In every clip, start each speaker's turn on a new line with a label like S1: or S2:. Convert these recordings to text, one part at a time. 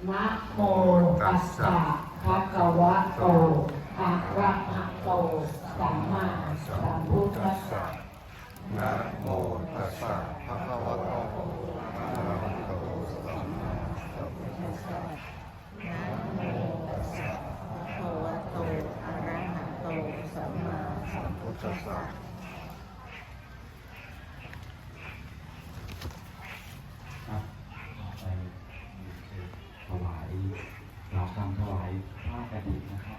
S1: นะโมตัสสะภะคะวะโตอะระหะโตสัมมาสัมพุทธัสสะ
S2: นะโมตัสสะภะคะวะโตอะระหะโตสัมมาสัมพุทธัสสะนะโมตัสสะภะคะวะโตอะระหะโตสัมมาสัมพุทธัสสะ
S3: ถวายเราทำถวายผ้ากฐินนะครับ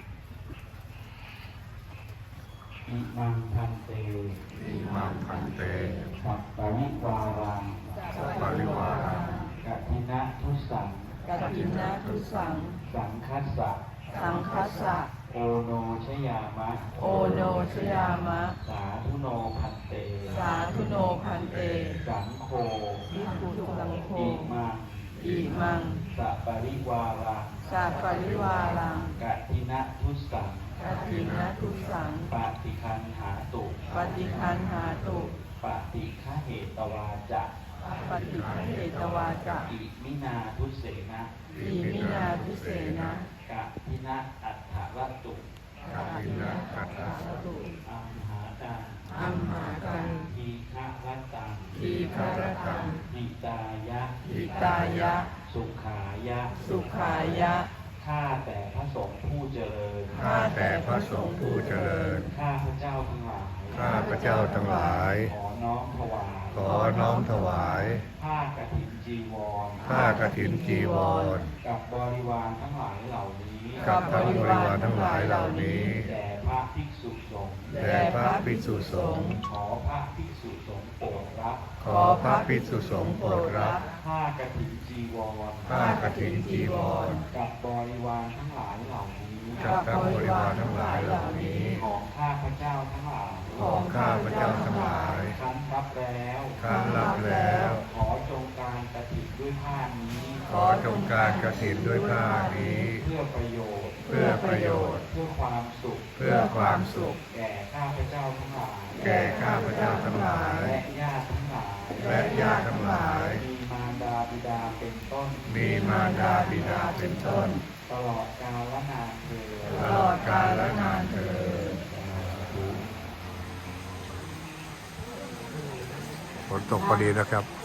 S3: อิมังพันเต
S2: อิมังพันเต
S3: สัปปะริวารัง
S2: สัพปริวารัง
S3: กฐินะทุสัง
S4: กัตถินะทุสัง
S3: สังคัสสะ
S4: สังคัสสะ
S3: โอโนชยามะ
S4: โอโนชยามะ
S3: สาธุโนพันเต
S4: สาธุโนพันเต
S3: สังโฆ
S4: ภิกขุสังโฆ
S3: อิมัง
S4: อิมัง
S3: สัปปริวารัง
S4: สัปปริวารัง
S3: กฐินะทุสัง
S4: กัตถินะทุสัง
S3: ปฏิคันหาตุ
S4: ปฏิคันหาตุ
S3: ปฏิฆะเหตวาจะ
S4: ปฏิคันเหตวาจะ
S3: อิมินาทุเสนะ
S4: อิมินาทุเสนะ
S3: กะทินะอัฏฐวัตตุ
S2: กัตถินะกัตถะ
S4: ตุ
S3: อัมหาตัง
S4: อัมหากัน
S3: ทีฆะวัตตัง
S4: ทีฆรตัง
S3: หิตายะ
S4: หิตายะ
S3: สุขายะ
S4: สุขายะ
S3: ข้าแต่พระสงฆ์ผู้เจริญ
S2: ข้าแต่พระสงฆ์ผู้เจริญ
S3: ข้าพระเจ้าทั้งหลาย
S2: ข้าพระเจ้าทั้งหลาย
S3: ขอน้อมถวาย
S2: ขอน้อมถวาย
S3: ผ้ากฐินจีวร
S2: ผ้ากฐินจีวร
S3: กับบริวารทั้งหลายเหล่านี้
S2: กับทั้งบริวารทั้งหลายเหล่านี้
S3: แด่พระภิกษุสงฆ์
S2: แด่พระภิกษุสงฆ์
S3: ขอพระภิกษุสงฆ์โปรดรับ
S2: ขอพระภิกษุสงฆ์โปรดรับ
S3: ผ้ากฐินจีวร
S2: ผ้ากฐินจีวร
S3: กับบริวารทั้งหลายเหล่านี้
S2: กับทั้งบริวารทั้งหลายเหล่านี้
S3: ของข้าพระเจ้าทั้งหลาย
S2: ของข้าพระเจ้าทั้งหลาย
S3: ครั้นรับแล้ว
S2: ครั้นรับแล้ว
S3: ขอจงการกฐินด้วยผ้านี้
S2: ขอจงการกฐินด้วยผ้านี้
S3: เพื่อประโยชน์
S2: เพื่อประโยชน์
S3: เพื่อความสุข
S2: เพื่อความสุข
S3: แก่ข้าพระเจ้าทั้งหลาย
S2: แก่ข้าพระเจ้าทั้งหลาย
S3: และญาติทั้งหลาย
S2: และญาติทั้งหลาย
S3: มีมารดาบิดาเป็นต้น
S2: มีมารดาบิดาเป็นต้น
S3: ตลอดกาลนานเถิด
S4: ตลอดกาลและนานเถิด
S2: ฝนตกพอดีนะครับ